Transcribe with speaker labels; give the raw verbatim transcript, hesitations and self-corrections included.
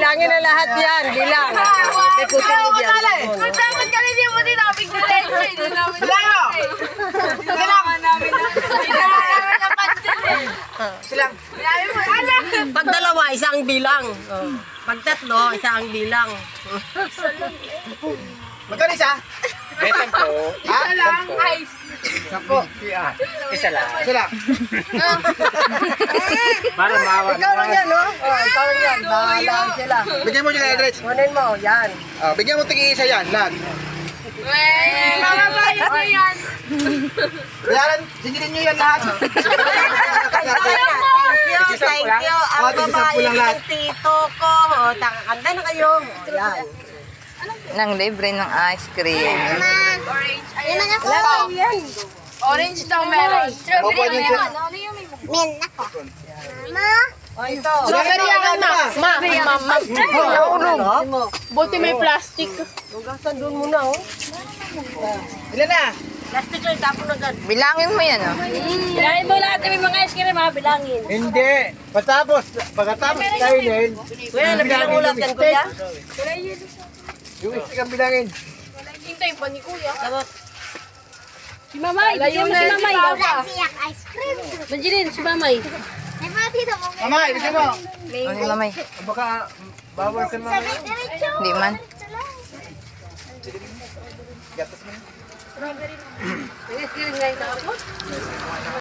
Speaker 1: bilangin na lahat yan. Bilang. Ikutin mo diyan.
Speaker 2: Dapat kami di mo din namin diretso. Hindi namin
Speaker 3: Bilang!
Speaker 2: Kailangan namin na. Hindi namin napansin eh.
Speaker 3: Silang.
Speaker 2: Sabi mo, alam.
Speaker 1: Pag dalawa, isang bilang. Oh. Pag tatlo, isang bilang.
Speaker 3: Magkano isa?
Speaker 4: Besan po.
Speaker 3: Ha?
Speaker 2: Isa lang. Ice.
Speaker 3: Sampo.
Speaker 4: Isa lang.
Speaker 3: Isa lang.
Speaker 4: Para maawa
Speaker 1: Ikaw lang yan, no? Oh, ikaw lang yan. Bahala sila.
Speaker 3: Bigyan mo nila, Edrich.
Speaker 1: Kunin mo, yan.
Speaker 3: Ah, bigyan mo tingin isa yan, lahat.
Speaker 2: Wey, mamabayad mo yan.
Speaker 3: Bayaran, singilin nyo yan lahat.
Speaker 1: Thank you, thank you. Ang
Speaker 3: Oh, tigisa
Speaker 1: babae
Speaker 3: po lang lahat.
Speaker 1: ng tito ko. O, takakanda na kayo. O, yan.
Speaker 5: Nang libre ng ice cream.
Speaker 2: Orange. Ayan.
Speaker 1: Lahat yan.
Speaker 2: Orange daw meron.
Speaker 3: Opo, yun siya.
Speaker 2: Men ako. Ma.
Speaker 1: O, ito.
Speaker 3: Strawberry yan, ma.
Speaker 2: Ma. Ma.
Speaker 1: Naulog.
Speaker 2: Buti may plastic.
Speaker 1: Hugasan doon muna, oh.
Speaker 3: Ilan na?
Speaker 1: Plastic lang, tapon agad.
Speaker 5: Bilangin mo yan, oh.
Speaker 2: Bilangin mo lahat may mga ice cream ha, bilangin.
Speaker 4: Hindi. Patapos, pagkatapos kainin,
Speaker 1: Kuya, nabilang ulat yan, kuya.
Speaker 4: yung istik ang bilangin.
Speaker 2: Hintayin pa ni Kuya.
Speaker 6: Si Mamay, bigyan mo si Mamay.
Speaker 2: siyak ice cream.
Speaker 6: Banjilin, si Mamay.
Speaker 2: May mga tito mo.
Speaker 3: Mamay, bigyan mo.
Speaker 5: Ano yung mamay?
Speaker 4: Baka bawal sa mga...
Speaker 2: Diretso.
Speaker 5: Hindi man.
Speaker 3: Gatas mo.
Speaker 6: Nag-iskirin ngayon ako.